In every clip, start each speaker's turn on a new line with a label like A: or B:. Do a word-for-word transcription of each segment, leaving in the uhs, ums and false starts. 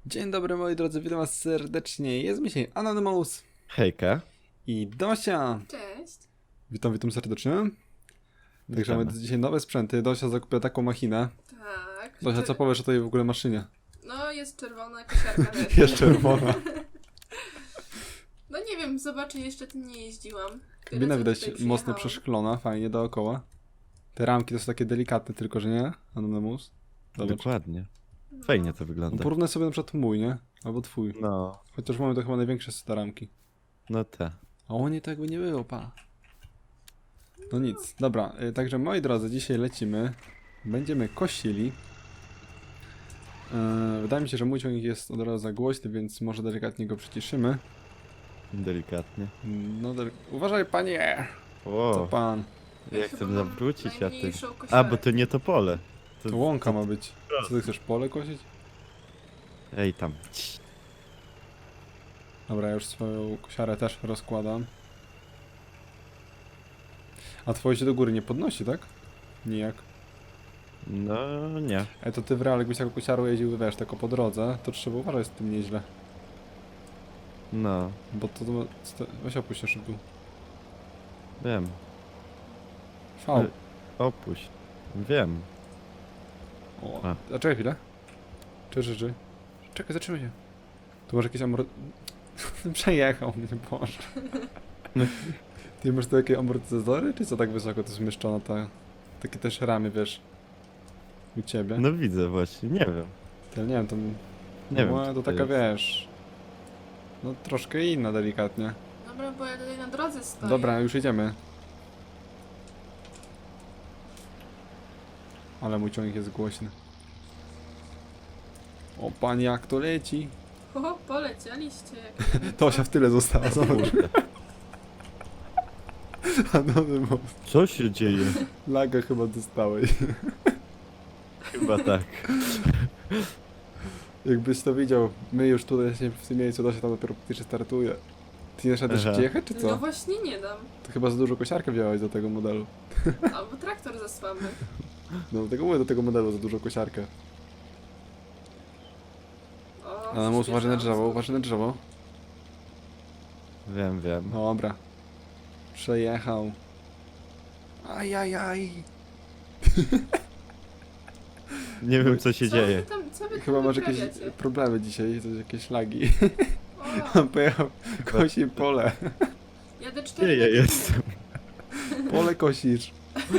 A: Dzień dobry moi drodzy, witam was serdecznie. Jest mi dzisiaj Anonymous
B: Hejka.
A: i Dosia.
C: Cześć.
A: Witam, witam serdecznie. Także
B: Witamy.
A: mamy dzisiaj nowe sprzęty. Dosia zakupia taką machinę.
C: Tak.
A: Dosia, co powiesz o tej w ogóle maszynie?
C: No, jest czerwona kosiarka też.
A: Jest czerwona.
C: No nie wiem, zobaczę, jeszcze tym nie jeździłam. Tyle,
A: Kabina
C: co
A: widać
C: tutaj
A: mocno
C: przyjechałam.
A: przeszklona, fajnie dookoła. Te ramki to są takie delikatne tylko, że nie? Anonymous. Zobacz.
B: Dokładnie.
C: No.
B: Fajnie to
A: No,
B: wygląda.
A: porównaj sobie na przykład mój, nie? Albo twój.
B: No,
A: Chociaż mamy to chyba największe z te ramki.
B: no te.
A: A o nie, to jakby nie było, pa. No nic, dobra, y, także moi drodzy, dzisiaj lecimy. Będziemy kosili. Yy, wydaje mi się, że mój ciągnik jest od razu za głośny, więc może delikatnie go przyciszymy.
B: Delikatnie.
A: No, dele... uważaj panie! Co
B: O,
A: pan?
C: Ja
B: ja
C: chyba
B: chcę
C: mam
B: zawrócić, a ty...
C: najmniejszą
B: A,
C: kosiarkę.
B: bo to nie to pole.
A: To łąka ma być. Co ty chcesz, pole kosić?
B: Ej, tam. Cii.
A: Dobra, ja już swoją kosiarę też rozkładam. A twoje się do góry nie podnosi, tak? Nijak.
B: No, nie.
A: Ej, to ty w realu jakbyś taką kosiarą jeździł, wiesz, tylko po drodze, to trzeba uważać z tym nieźle.
B: No,
A: Bo to... to sto- weź opuść się szybko.
B: wiem.
A: V.
B: Ale- Opuść. Wiem.
A: O,
B: A.
A: a czekaj chwilę. Czekaj, czekaj, czekaj. Czekaj, zatrzymaj się. Tu masz jakieś amor... Przejechał mnie, Boże. Ty masz tu jakieś amortyzatory, czy co tak wysoko to zmieszczono ta... Takie też ramy, wiesz. U ciebie.
B: No widzę właśnie, nie wiem.
A: To nie wiem, to...
B: Nie
A: no,
B: wiem,
A: to
B: co to
A: taka,
B: jest.
A: wiesz... No troszkę inna, delikatnie.
C: Dobra, bo ja tutaj na drodze stoję.
A: Dobra, już idziemy. Ale mój ciągnik jest głośny. O, panie, jak to leci.
C: O, polecieliście. Jak...
A: Tosia w tyle została, zobacz.
B: Kurde.
A: Anonymous.
B: Co się dzieje?
A: Laga chyba dostałeś.
B: Chyba tak.
A: Jakbyś to widział, my już tutaj jesteśmy w tym miejscu, Dosia tam dopiero praktycznie startuje. Ty nie szedłeś
B: Aha.
A: jechać, czy
C: No
A: co?
C: właśnie nie dam.
A: To chyba za dużo kosiarkę wziąłeś do tego modelu.
C: Albo traktor za słaby.
A: No do tego mówię, do tego modelu za dużo kosiarkę.
C: O,
A: Anonymous, uważaj na drzewo,
C: przyspieszam.
A: uważaj na drzewo.
B: Wiem, wiem.
A: Dobra. Przejechał. Ajajaj.
B: Nie wiem, co się
C: Co
B: dzieje.
C: wy tam, co wy
A: Chyba
C: tam
A: masz jakieś
C: wyprawiacie?
A: problemy dzisiaj, coś, jakieś lagi.
C: O,
A: On pojechał, kosi pole.
C: jadę
B: Gdzie
C: cztery
B: ja
C: metry.
B: jestem?
A: Pole kosisz.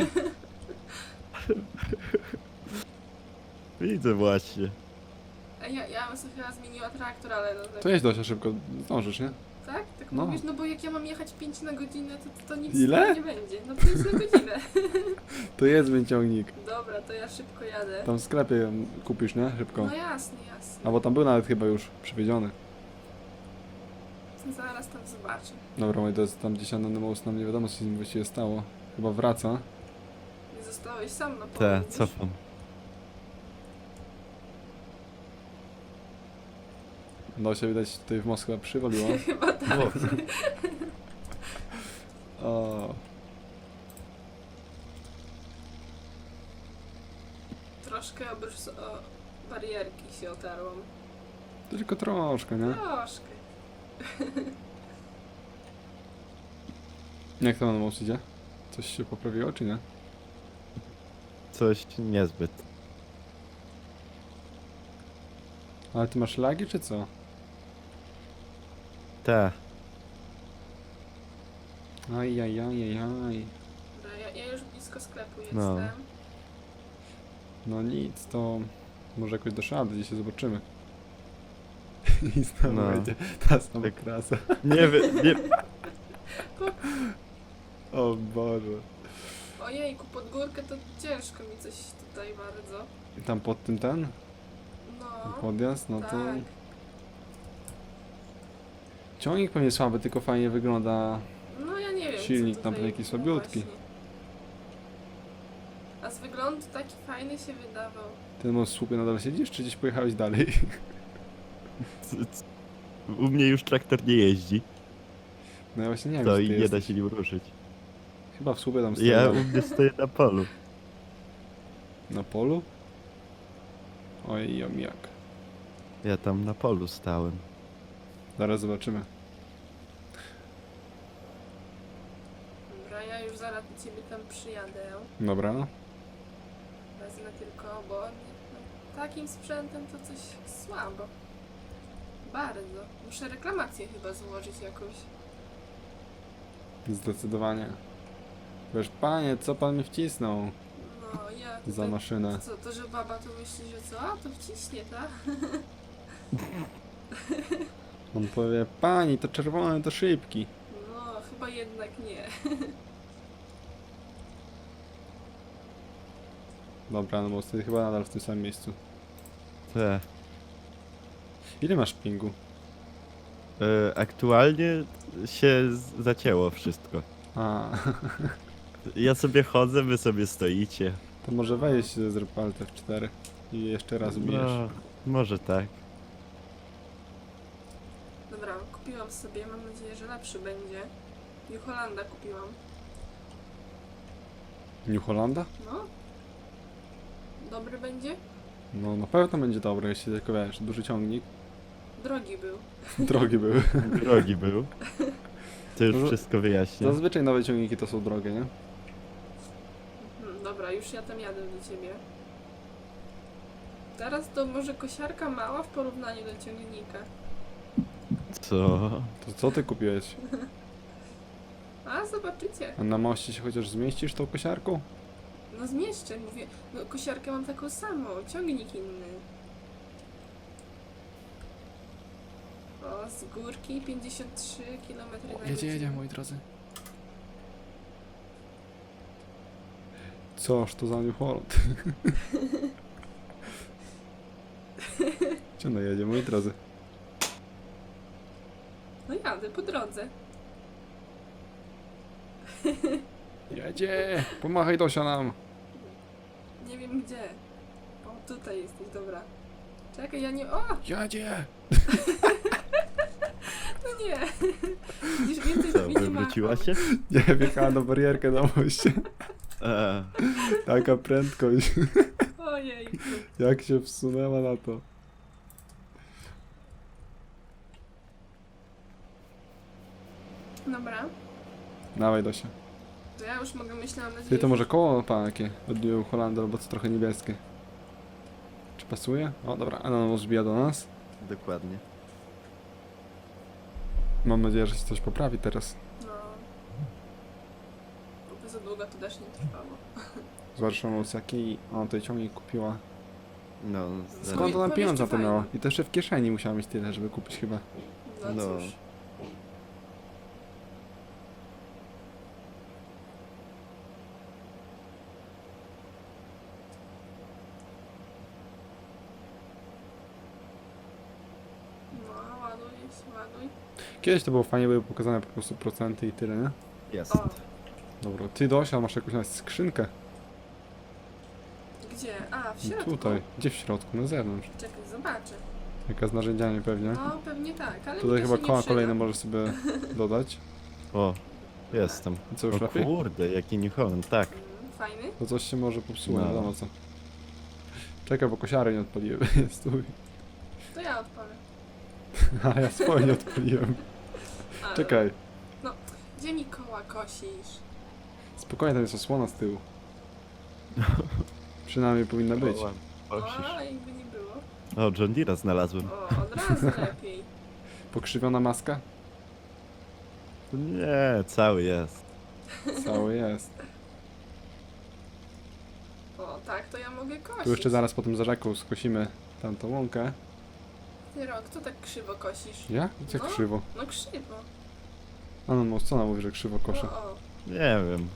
B: Widzę właśnie.
C: A ja, ja bym sobie chyba zmieniła traktor, ale no tak.
A: To jedź Dosia szybko, zdążysz, nie?
C: Tak? Tak
A: No.
C: mówisz? No bo jak ja mam jechać pięć na godzinę, to, to, to nic
A: Ile?
C: z tego nie będzie. No pięć na godzinę.
A: To jest mój ciągnik.
C: Dobra, to ja szybko jadę.
A: Tam w sklepie ją kupisz, nie? Szybko.
C: No jasne, jasne.
A: A bo tam był nawet chyba już przywiedziony.
C: Zaraz tam zobaczę.
A: Dobra, moi drodzy, tam gdzieś Anonymous nam nie wiadomo, co się z nim właściwie stało. Chyba wraca.
C: Nie zostałeś sam na polu.
B: Te,
C: widzisz?
B: cofam.
A: Dosia widać tutaj w Moskwie przywaliła.
C: Chyba tak.
B: O,
A: O,
C: Troszkę obrys- o barierki się otarłam.
A: tylko troszkę, nie?
C: Troszkę.
A: Jak to Anonymous idzie? Coś się poprawiło, czy nie?
B: coś niezbyt.
A: Ale ty masz lagi, czy co?
B: Te.
A: Ajajajajaj.
C: Dobra, ja, ja już blisko sklepu
B: No.
C: jestem.
A: No nic, to może jakoś do szady, dzisiaj zobaczymy. I znowu
B: No.
A: będzie ta sama
B: Tak.
A: krasa.
B: Nie wiem, nie...
A: O Boże.
C: Ojejku, pod górkę to ciężko mi coś tutaj bardzo.
A: Tam pod tym ten?
C: No.
A: Podjazd? No to...
C: tak.
A: Ciągnik pewnie słaby, tylko fajnie wygląda.
C: No ja nie wiem.
A: Silnik
C: co
A: tam
C: tutaj
A: taki
C: było
A: słabiutki.
C: właśnie. A z wyglądu taki fajny się wydawał.
A: Ty na słupie nadal siedzisz, czy gdzieś pojechałeś dalej?
B: c- c- U mnie już traktor nie jeździ.
A: No ja właśnie nie wiem,
B: To
A: gdzie
B: i
A: ty
B: nie da
A: jesteś.
B: się nim ruszyć.
A: Chyba w słupie tam stoi.
B: Ja u mnie stoję na polu.
A: Na polu? Oj, jam jak.
B: Ja tam na polu stałem.
A: Zaraz zobaczymy.
C: Dobra, ja już zaraz do ciebie tam przyjadę.
A: Dobra.
C: Wezmę tylko, bo no, takim sprzętem to coś słabo. Bardzo. Muszę reklamację chyba złożyć jakąś.
A: Zdecydowanie. Wiesz, panie, co pan mi wcisnął
C: No, ja
A: za
C: tutaj,
A: maszynę?
C: co, to, że baba to myśli, że co? A, to wciśnie, tak?
A: On powie, pani, to czerwony, to szybki.
C: No, chyba jednak nie.
A: Dobra, no bo jesteś chyba nadal w tym samym miejscu.
B: Te.
A: Ile masz pingu?
B: E, aktualnie się z- zacięło wszystko.
A: A,
B: Ja sobie chodzę, wy sobie stoicie.
A: to może weź zrób Alt F cztery i jeszcze raz ubijesz.
B: No, może tak.
C: Dobra, kupiłam sobie, mam nadzieję, że lepszy będzie. New Hollanda kupiłam.
A: New Hollanda?
C: No. Dobry będzie?
A: No na pewno będzie dobry, jeśli tylko wiesz, duży ciągnik.
C: Drogi był.
A: Drogie były.
B: Drogi był. To już
A: Może-
B: wszystko wyjaśnia.
A: Zazwyczaj nowe ciągniki to są drogie, nie?
C: Hmm, dobra, już ja tam jadę do ciebie. Teraz to może kosiarka mała w porównaniu do ciągnika.
B: Co?
A: To co ty kupiłeś?
C: A, zobaczycie.
A: A na moście się chociaż zmieścisz tą kosiarką?
C: No zmieszczę, mówię. No, kosiarkę mam taką samą, ciągnik inny. O, z górki pięćdziesiąt trzy kilometry na godzinę.
A: moi drodzy. Coż to za New Holland? Gdzie ona jedzie, moi drodzy?
C: No jadę po drodze.
A: Jedzie! Pomachaj Dosia nam!
C: Nie wiem gdzie. O, tutaj jesteś, dobra. Czekaj, ja nie... O!
A: Jedzie!
C: No nie! Widzisz, więcej
B: Co,
C: to mi nie
B: wywróciła
C: machał.
B: się?
A: Nie, wjechała na barierkę na moście.
B: E,
A: Taka prędkość.
C: Ojej.
A: Jak się wsunęła na to.
C: Dobra.
A: Dawaj Dosia.
C: To ja już mogę, myślałam nadzieję,
A: Ty to może koło pan jakie? Od New Hollanda, albo co trochę niebieskie. Czy pasuje? O dobra, Ananos wbija do nas.
B: dokładnie.
A: Mam nadzieję, że się coś poprawi teraz.
C: No. Bo za długo to też nie trwało.
A: Zobacz, Ananos jaki on tej ciągnik kupiła.
B: No,
C: Skąd
A: Skąd ona
C: powiesz,
A: pieniądze
C: czy
A: na to miała?
C: fajnie?
A: I to jeszcze w kieszeni musiała mieć tyle, żeby kupić chyba.
C: No,
B: No.
C: cóż. No, ładuj się, ładuj.
A: Kiedyś to było fajnie, były pokazane po prostu procenty i tyle, nie?
B: jest.
C: O,
A: Dobra, ty Dosia, masz jakąś nawet skrzynkę.
C: gdzie? A, w
A: No
C: środku.
A: tutaj, gdzie w środku, na zewnątrz.
C: Czekaj, zobaczę.
A: Jaka z narzędziami pewnie.
C: No, pewnie tak, ale
A: Tutaj
C: mi to
A: chyba
C: się nie
A: koła
C: przyda.
A: kolejne możesz sobie dodać.
B: O, jestem.
A: I co, już
B: O
A: lepiej?
B: kurde, jaki New Holland, tak.
C: Mm, fajny?
A: To coś się może popsuło,
B: No.
A: nie wiadomo co. Czekaj, bo kosiary nie odpaliłem. Stój.
C: To ja odpalę.
A: A ja swoje nie odpaliłem.
C: Ale...
A: Czekaj.
C: Gdzie mi koła kosisz?
A: Spokojnie, tam jest osłona z tyłu. Przynajmniej powinna być.
B: O, osisz.
C: O, jakby nie było.
B: O, John Deere'a znalazłem.
C: O, od razu lepiej.
A: Pokrzywiona maska?
B: Nie, cały jest.
A: Cały jest.
C: O, tak, to ja mogę kosić.
A: Tu jeszcze zaraz po tym za rzeką skosimy tamtą łąkę.
C: Ty rok, co tak krzywo kosisz?
A: Ja? Jak
C: No.
A: krzywo?
C: No krzywo.
A: A no, no, co ona mówi, że krzywo koszę?
C: O, o.
B: Nie wiem.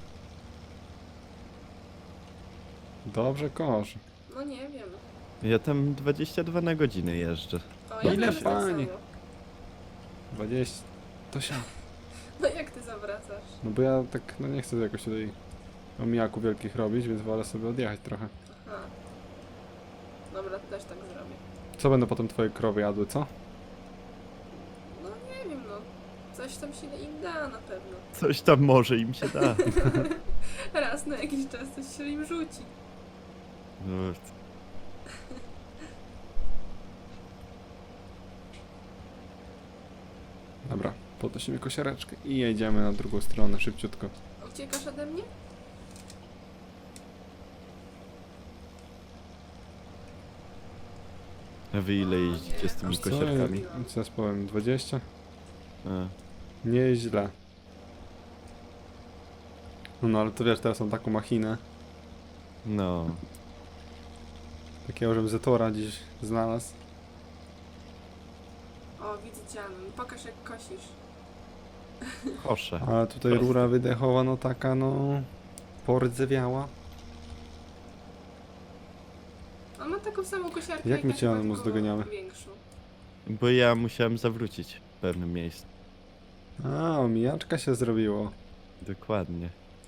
A: Dobrze kosz.
C: No nie wiem.
B: Ja tam dwadzieścia dwa na godzinę jeżdżę.
C: O,
A: Ile
C: też tak
A: pani?
C: samo.
A: dwadzieścia. Tosia.
C: No jak ty zawracasz?
A: No bo ja tak, no nie chcę jakoś tutaj omijaków wielkich robić, więc wolę sobie odjechać trochę.
C: Aha. Dobra, to też tak zrobię.
A: Co będą potem twoje krowy jadły, co?
C: No nie wiem, no. Coś tam się im da na pewno.
B: Coś tam może im się da.
C: Raz na jakiś czas coś się im rzuci.
B: No,
A: Dobra, podnosimy kosiareczkę i jedziemy na drugą stronę, szybciutko.
C: Uciekasz ode mnie?
B: A wy ile jeździcie z tymi
C: Aż co?
B: kosiarkami?
A: Co ja powiem, dwadzieścia?
B: A,
A: Nieźle. No, no ale to wiesz, teraz mam taką machinę,
B: no.
A: takiego, żebym Zetora dziś znalazł.
C: O, widzę cię, Anon. Pokaż jak kosisz.
B: Kosze.
A: Ale tutaj
B: Proste.
A: rura wydechowa, no taka, no... Pordzewiała.
C: On ma taką samą kosiarkę
A: Jak my
C: ja,
A: cię,
C: chyba,
A: Anonymous,
C: tylko
A: doganiamy?
C: Większą.
B: Bo ja musiałem zawrócić w pewnym miejscu.
A: A, omijaczka się zrobiło.
B: Dokładnie.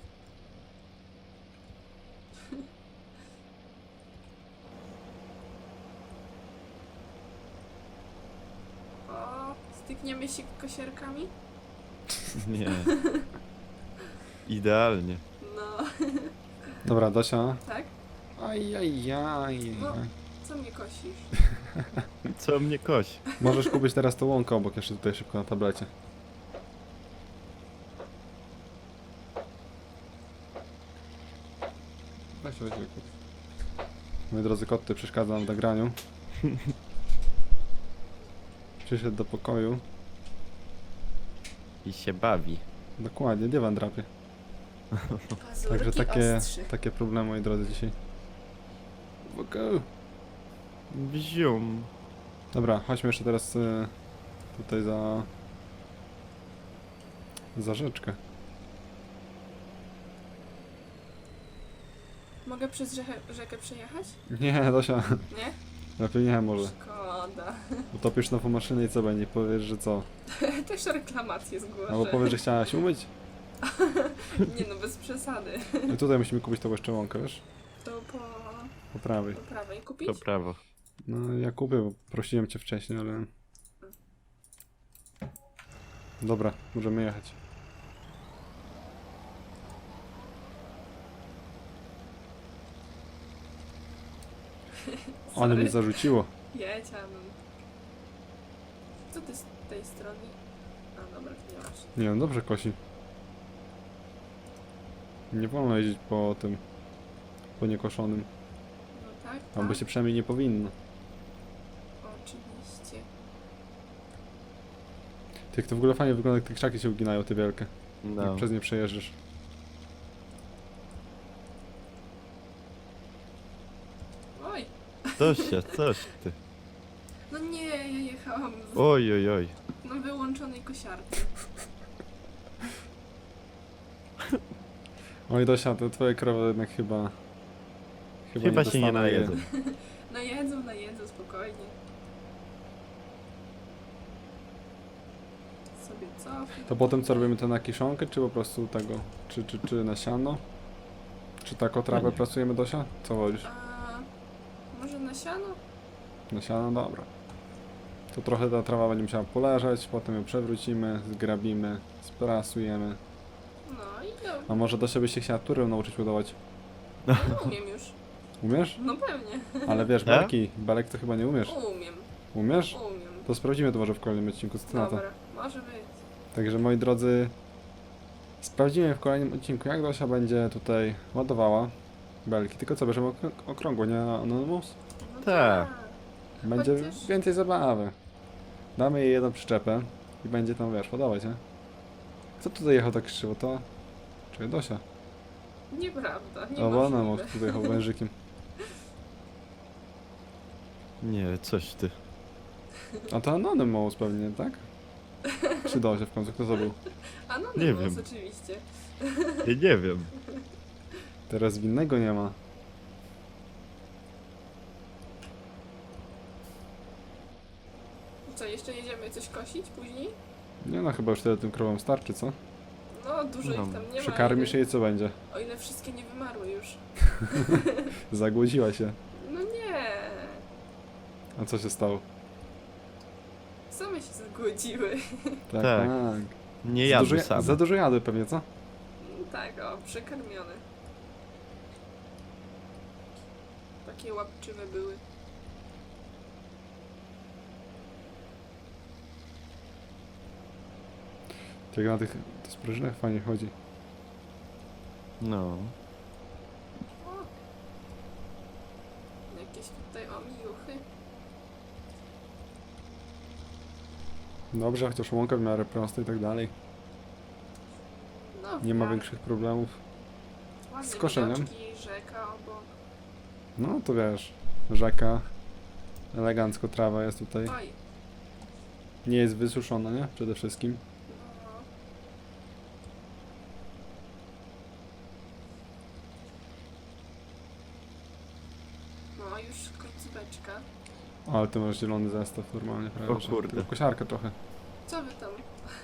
C: O, stykniemy się kosiarkami?
B: Nie. Idealnie.
C: No,
A: Dobra, Dosia.
C: tak?
A: Ajajaj.
C: No. Co mnie kosisz?
B: Co mnie kosi?
A: Możesz kupić teraz tą łąkę obok, jeszcze tutaj szybko na tablecie. Weź, weź, weź. Moi drodzy koty, przeszkadzam w nagraniu. Przyszedł do pokoju.
B: I się bawi.
A: Dokładnie, dywan drapie.
C: Pazurki
A: Także takie,
C: ostrzy.
A: takie problemy, moi drodzy, dzisiaj. Go.
B: Bzium.
A: Dobra, chodźmy jeszcze teraz y, tutaj za... za rzeczkę.
C: Mogę przez rzekę, rzekę przejechać?
A: Nie, Dosia,
C: Nie?
A: lepiej nie może.
C: Szkoda.
A: Utopisz nową maszynę i co będzie? Powiesz, że co?
C: Też reklamację zgłoszę.
A: Albo powiesz, że chciałaś umyć?
C: Nie no, bez przesady.
A: I tutaj musimy kupić tą jeszcze łąkę, wiesz?
C: To po,
A: Po prawej.
C: po prawej kupić?
B: To prawo.
A: No ja kupię, bo prosiłem cię wcześniej, ale... Dobra, możemy jechać. Ale
C: Sorry.
A: mnie zarzuciło.
C: Jedź, Anon. Co ty z tej strony? A dobra, nie masz.
A: Nie wiem, dobrze kosi. Nie wolno jeździć po tym... po niekoszonym.
C: No tak,
A: Albo
C: tak.
A: się przynajmniej nie powinno.
C: Oczywiście.
A: Ty, jak to w ogóle fajnie wygląda, jak te krzaki się uginają, te wielkie.
B: No.
A: Jak przez nie przejeżdżasz.
C: Oj,
B: Coś się, coś ty.
C: no nie, ja jechałam z,
B: Oj, oj, oj.
C: na wyłączonej kosiarce.
A: Oj, Dosia, te twoje krowy jednak chyba...
B: Chyba
A: nie
B: się nie
A: dostaną
B: najedzą.
C: Najedzą, najedzą, spokojnie. Sobie cofnę.
A: To potem co robimy, to na kiszonkę, czy po prostu tego, czy, czy, czy na siano? Czy taką trawę
B: nie.
A: pracujemy, Dosia? Co wolisz?
C: A może na siano?
A: Na siano? Dobra. To trochę ta trawa będzie musiała poleżeć, potem ją przewrócimy, zgrabimy, sprasujemy.
C: No i no,
A: A może Dosia by się chciała turę nauczyć budować?
C: no umiem już.
A: Umiesz?
C: No pewnie.
A: Ale wiesz,
B: E?
A: belki, belek to chyba nie umiesz.
C: Umiem,
A: Umiesz?
C: umiem.
A: To sprawdzimy to może w kolejnym odcinku, co ty na to.
C: Dobra, może być.
A: Także moi drodzy, sprawdzimy w kolejnym odcinku, jak Dosia będzie tutaj ładowała belki. Tylko co, bierzemy ok- okrągło, nie Anonymous?
C: No
B: Tak.
A: Będzie
C: Chociaż-
A: więcej zabawy. Damy jej jedną przyczepę i będzie tam, wiesz, ładować, nie? Kto tutaj jechał tak krzywo? To... Czy Dosia?
C: Nieprawda, nie
A: O, bo ona
C: możliwe.
A: tutaj jechał wężykiem.
B: Nie, coś ty.
A: A to Anonymous pewnie, tak? Czy Dosia w końcu? Kto to był?
C: A no,
B: Nie
C: no,
B: wiem.
C: oczywiście.
B: Ja nie wiem.
A: Teraz winnego nie ma.
C: Co, jeszcze jedziemy coś kosić później?
A: Nie no, chyba już tyle tym krowom starczy, co?
C: No, dużo
B: No,
C: ich tam nie ma.
A: Przekarmisz
C: o ile-
A: jej, co będzie?
C: O ile wszystkie nie wymarły już.
A: Zagłodziła się.
C: No nie.
A: A co się stało?
C: Same się zgłodziły.
A: Tak,
B: Tak.
A: tak.
B: Nie
A: Za
B: jadły
A: dużo,
B: same.
A: za dużo jadły pewnie, co?
C: No tak, o, przekarmione. Takie łapczywe były.
A: Jak na tych sprężynach fajnie chodzi.
B: No.
C: O! Jakieś tutaj omijuchy.
A: Dobrze, chociaż łąka w miarę prosta i tak dalej.
C: No,
A: Nie ma
C: tak.
A: większych problemów.
C: Ładne
A: z koszeniem.
C: widoczki, rzeka obok.
A: No to wiesz, rzeka, elegancko trawa jest tutaj.
C: Oj,
A: Nie jest wysuszona, nie? Przede wszystkim.
C: no. No, już końcóweczka.
A: O, ale ty masz zielony zestaw normalnie, prawda?
B: O kurde.
A: Tylko kosiarkę trochę.
C: Co wy tam?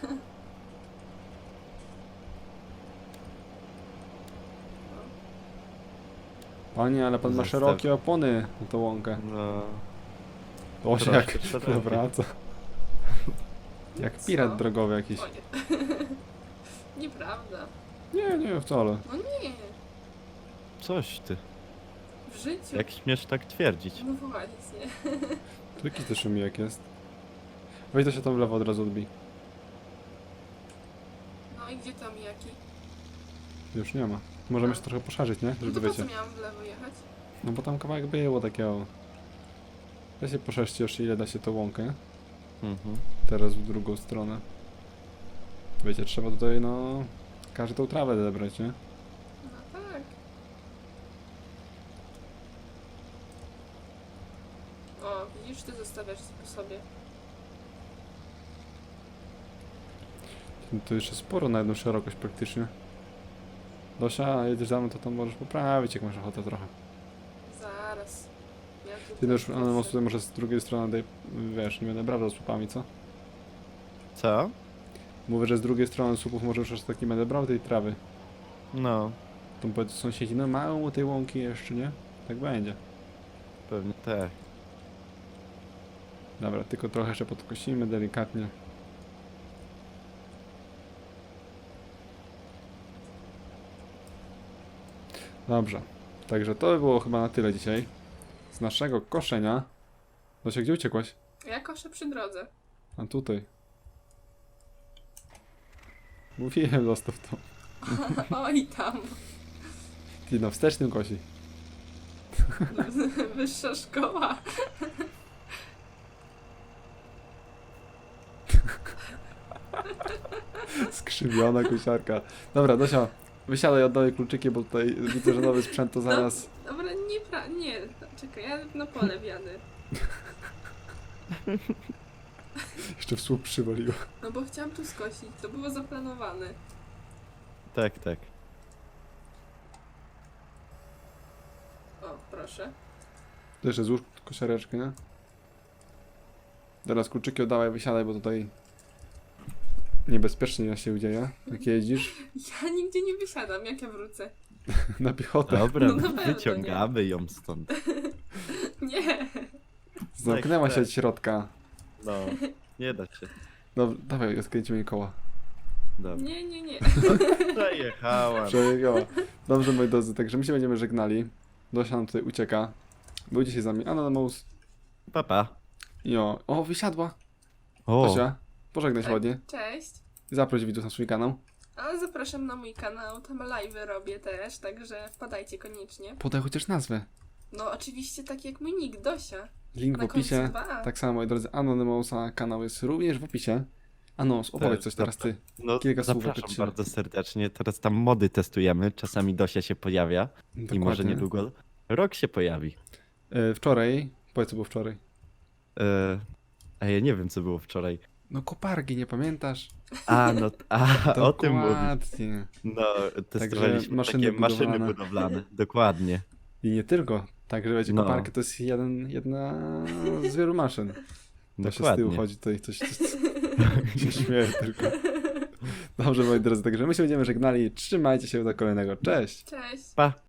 A: Panie, ale pan ma
B: Zestaw.
A: szerokie opony na tą łąkę.
B: No.
A: O, się
B: Troszkę
A: jak
B: szerokie.
A: nawraca. Jak
C: Co?
A: pirat drogowy jakiś.
C: O nie. Nieprawda.
A: Nie, nie, wcale.
C: No nie,
B: Coś ty.
C: w życiu.
B: Jak śmiesz tak twierdzić?
C: No właśnie.
A: Tu jakiś też szumijek jest. Weź to się tam w lewo od razu odbij.
C: No i gdzie tam jaki?
A: Już nie ma. Możemy się trochę poszarzyć, nie?
C: No
A: Żeby
C: to po
A: wiecie.
C: co miałam w lewo jechać?
A: No bo tam kawałek było takiego. Da się poszerzyć jeszcze ile da się tą łąkę.
B: Mhm.
A: Teraz w drugą stronę. Wiecie, trzeba tutaj no... każdą trawę zebrać, nie?
C: No tak. O, widzisz, ty zostawiasz po sobie.
A: No to jeszcze sporo na jedną szerokość praktycznie. Dosia, jedziesz za mną, to tam możesz poprawić, jak masz ochotę trochę.
C: Zaraz. Ja tu
A: Ty też,
C: też
A: ale może
C: chcę.
A: tutaj może z drugiej strony, daj, wiesz, nie będę brał z słupami, co?
B: Co?
A: Mówię, że z drugiej strony słupów może już aż taki będę brał tej trawy.
B: No.
A: To powiedz sąsiedzi, no mało tej łąki jeszcze, nie? Tak będzie.
B: Pewnie tak.
A: Dobra, tylko trochę jeszcze podkosimy delikatnie. Dobrze, także to by było chyba na tyle dzisiaj z naszego koszenia. Dosia, gdzie uciekłaś?
C: Ja koszę przy drodze.
A: A tutaj. Mówiłem, zostaw to.
C: Oj tam.
A: Ty na wstecznym kosi.
C: Wyższa szkoła.
A: Skrzywiona kosiarka. Dobra, Dosia, wysiadaj, oddawaj kluczyki, bo tutaj widzę, że nowy sprzęt to zaraz...
C: Dobra, nie, pra... nie. Czekaj, ja na pole wjadę.
A: Jeszcze w słup przywaliło.
C: No bo chciałam tu skosić, to było zaplanowane.
B: Tak, tak.
C: O, proszę.
A: To jeszcze złóż kosiareczkę, nie? Teraz kluczyki oddawaj, wysiadaj, bo tutaj niebezpiecznie się dzieje, jak jeździsz
C: Ja nigdzie nie wysiadam, jak ja wrócę.
A: na piechotę.
B: Dobra,
C: No na pewno
B: wyciągamy ją stąd.
C: Nie.
A: Zamknęła
B: Tak,
A: się
B: tak.
A: od środka.
B: No. Nie da się.
A: Dobra, dawaj, odkręcimy jej koła.
B: Dobra.
C: Nie, nie, nie.
B: Przejechałam.
A: Przejechała. Dobrze, moi drodzy, także my się będziemy żegnali. Dosia nam tutaj ucieka. Był dzisiaj z nami Anonymous.
B: Papa.
A: I o, o, wysiadła.
B: O,
A: Dosia, pożegnaj się
C: Tak.
A: ładnie.
C: Cześć.
A: I zaproś widzów na swój kanał.
C: A zapraszam na mój kanał, tam live'y robię też, także wpadajcie koniecznie.
A: Podaj chociaż nazwę.
C: No oczywiście tak jak mój nick, Dosia.
A: Link w
C: Na końcu
A: opisie.
C: dwa A.
A: Tak samo, moi drodzy, Anonymousa kanał jest również w opisie. Anos, opowiedz
B: Tak,
A: coś teraz ty.
B: no
A: kilka słów
B: zapraszam
A: opowiedz się.
B: bardzo serdecznie. Teraz tam mody testujemy. Czasami Dosia się pojawia. I może
A: Dokładnie.
B: niedługo rok się pojawi.
A: E, wczoraj, powiedz co było wczoraj.
B: E, a ja nie wiem, co było wczoraj.
A: No koparki, nie pamiętasz?
B: A, no, a, o tym mówisz.
A: Dokładnie.
B: No, testowaliśmy
A: maszyny
B: takie maszyny
A: budowlane.
B: budowlane. Dokładnie.
A: I nie tylko. Także wiecie,
B: No.
A: koparka to jest jeden, jedna z wielu maszyn. To się z tyłu
B: Dokładnie.
A: chodzi, tutaj coś, coś, coś się śmieje tylko. Dobrze, moi drodzy, także my się będziemy żegnali. Trzymajcie się do kolejnego. Cześć!
C: Cześć.
B: Pa.